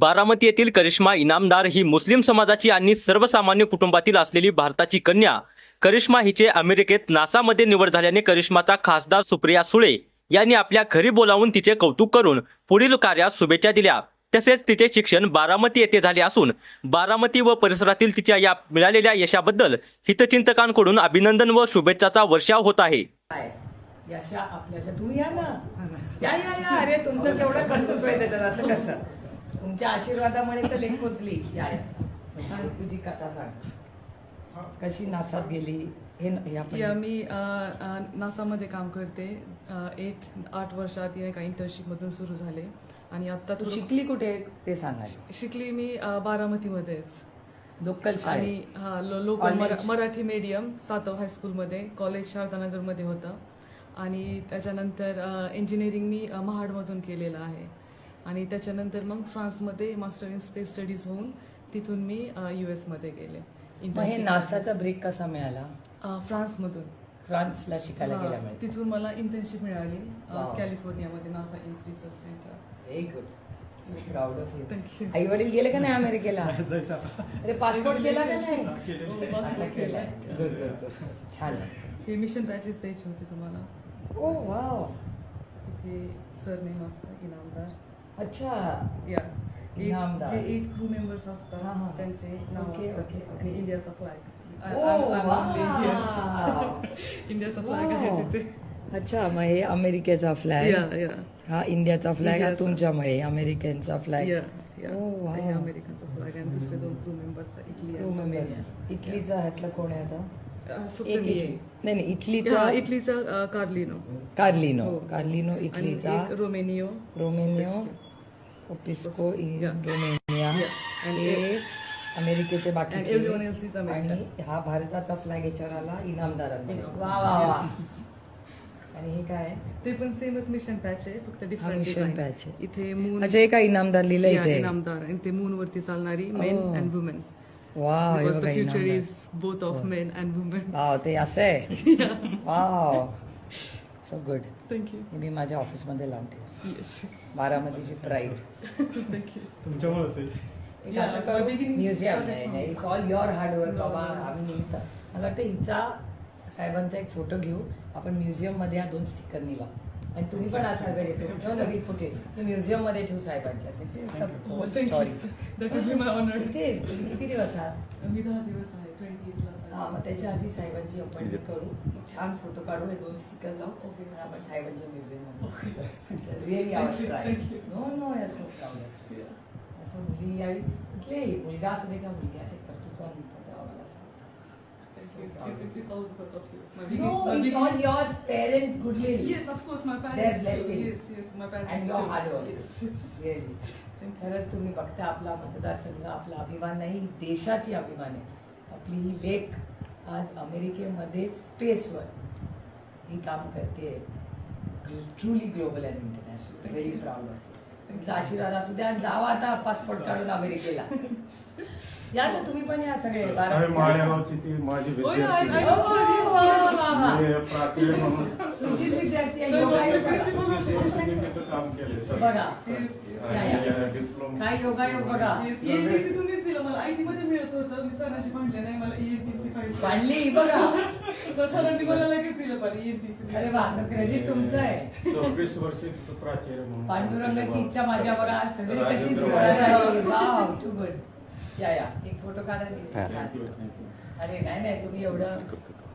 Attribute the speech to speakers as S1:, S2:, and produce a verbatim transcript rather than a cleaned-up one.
S1: बारामती येथील करिश्मा इनामदार ही मुस्लिम समाजाची आणि सर्वसामान्य कुटुंबातील असलेली भारताची कन्या. करिश्मा हिचे अमेरिकेत नासामध्ये निवड झाल्याने करिश्माचा खासदार सुप्रिया सुळे यांनी आपल्या घरी बोलावून तिचे कौतुक करून पुढील कार्यास शुभेच्छा दिल्या. तसेच तिचे शिक्षण बारामती येथे झाले असून बारामती व परिसरातील तिच्या या मिळालेल्या यशाबद्दल हितचिंतकांकडून अभिनंदन व शुभेच्छाचा वर्षाव होत आहे.
S2: यशा आपल्याला तुम्ही या ना या या या अरे तुमचं केवढं कर्तृत्व आहे त्याच्यात. असं कसं तुमच्या आशीर्वादामुळे तर लेख पोचली. या या सांग तुझी कथा सांग. कशी नासात गेली हे
S3: या मी नासामध्ये काम करते. एट आठ वर्ष आधी एका इंटर्नशिप मधून सुरू झाले आणि आता
S2: तू शिकली कुठे ते सांगा.
S3: शिकली मी बारामतीमध्येच
S2: लोकल
S3: आणि हा लोकल मराठी मीडियम सातव हायस्कूलमध्ये. कॉलेज शारदानगरमध्ये होतं आणि त्याच्यानंतर इंजिनिअरिंग मी महाडमधून केलेलं आहे आणि त्याच्यानंतर मग फ्रान्समध्ये मास्टर इन स्पेस स्टडीज होऊन तिथून मी युएस मध्ये गेले.
S2: हे नासाचा ब्रेक कसा मिळाला?
S3: फ्रान्समधून.
S2: फ्रान्सला शिकायला गेल्यामुळे
S3: तिथून मला इंटर्नशिप मिळाली कॅलिफोर्नियामध्ये NASA Ames research center.
S2: Very good. Proud of you.
S3: Thank you.
S2: आई वडील गेले का नाही अमेरिकेला? अरे पासपोर्ट केला का नाही? केलाय. Good good good. छान.
S3: हे मिशन पॅचेस द्यायचे होते तुम्हाला.
S2: Oh wow.
S3: इथे सर नेम असतं इनामदार.
S2: अच्छा.
S3: या
S2: इनामदार.
S3: जे एट क्रू मेंबर्स असतात त्यांचे नाव असतात आणि इंडियाचा फ्लॅग. इंडियाचा फ्लॅग आहे तिथे.
S2: अच्छा. मग हे अमेरिकेचा फ्लॅग, हा इंडियाचा फ्लॅग, हा तुमच्यामुळे अमेरिकनचा फ्लॅग.
S3: अमेरिकनचा फ्लॅग आणि दुसरे दोन क्रू मेंबर्स इटली.
S2: इटलीचा ह्यातला कोण आहे आता?
S3: नाही
S2: नाही इटलीचा.
S3: इटलीचा कार्लिनो.
S2: कार्लिनो. कार्लिनो इटलीचा.
S3: रोमेनियो.
S2: रोमेनियो. ओपिस्को रोमेनिया. हे अमेरिकेचे बाकीचे आणि हा भारताचा फ्लॅग याच्यावर आला इनामदारांनी. वा वा वा. आणि हे काय?
S3: ते पण सेमच मिशन पॅच आहे फक्त डिफरंट
S2: मिशन पॅच आहे.
S3: इथे मून.
S2: अच्छा. हे काय इनामदार लिहिलं इथे?
S3: इनामदार आणि ते मून वरती चालणारी men and women.
S2: Wow.
S3: Because the future is both of men and women.
S2: Wow. ते असं आहे. वाव. So good.
S3: थँक्यू.
S2: मी माझ्या ऑफिस मध्ये लावून ठेव.
S3: Yes.
S2: बारामतीची प्राईड.
S3: थँक्यू.
S4: तुमच्यामुळेच
S2: एक असं करू म्युझियम. नाही इट्स ऑल युअर हार्डवर्क बाबा. आम्ही निमित्त मला वाटतं हिचा साहेबांचा एक फोटो घेऊ आपण म्युझियम मध्ये. हा दोन स्टिकर निला आणि तुम्ही पण आज साहेब येतो नवीन फुटे म्युझियम मध्ये ठेवू साहेबांच्या. This is the whole story.
S3: That would be my honor.
S2: तुम्ही किती दिवस आहात?
S3: मी दहा दिवस आहे. ट्वेंटी एट ला.
S2: हा. मग त्याच्या आधी साहेबांची अपॉइंटमेंट करू. छान फोटो काढू. हे दोन स्टिकर लावू. आपण साहेबांच्या म्युझियम मध्ये. Really our try. No no असं प्राऊड. असं मुली यावी कुठले मुलगा असू दे का मुलगी असे कर्तृत्व निघतात तेव्हा मला
S3: It's all because of you. My
S2: no, it's all your parents' goodwill.
S3: Yes, of course, my parents.
S2: Their blessing.
S3: Yes, yes, my parents.
S2: And your hard work.
S3: Yes, yes.
S2: Really. खरंच तुम्ही बघता आपला मतदारसंघ आपला अभिमान नाही देशाची अभिमान आहे. आपली ही लेक आज अमेरिकेमध्ये स्पेसवर ही काम करते. Truly global and international. Very proud of you. तुमचा आशीर्वाद असू द्या आणि जावा आता पासपोर्ट काढून अमेरिकेला. या ना तुम्ही पण या सगळे.
S4: माळेगावची ती माझी विद्यार्थी
S2: तुमचीच विद्यार्थी आहे.
S4: काम केले
S2: बघा काय योगायोग बघा.
S3: ईएनटीसी तुम्हीच दिलं मला. आयटी मध्ये मिळत होतं मी सरांशी भांडले नाही मला ईएनटीसी पाहिजे.
S2: भांडली बघा.
S3: सरांनी मला लगेच दिलं पाहिजे ईएनटीसी.
S2: अरे वा. क्रेडिट तुमचं आहे.
S4: चोवीस वर्ष प्राचार्य म्हणून.
S2: पांडुरंगाची इच्छा माझ्या बघा सगळी कशी वाव. To good. या या एक फोटो काढा. अरे नाही नाही तुम्ही एवढं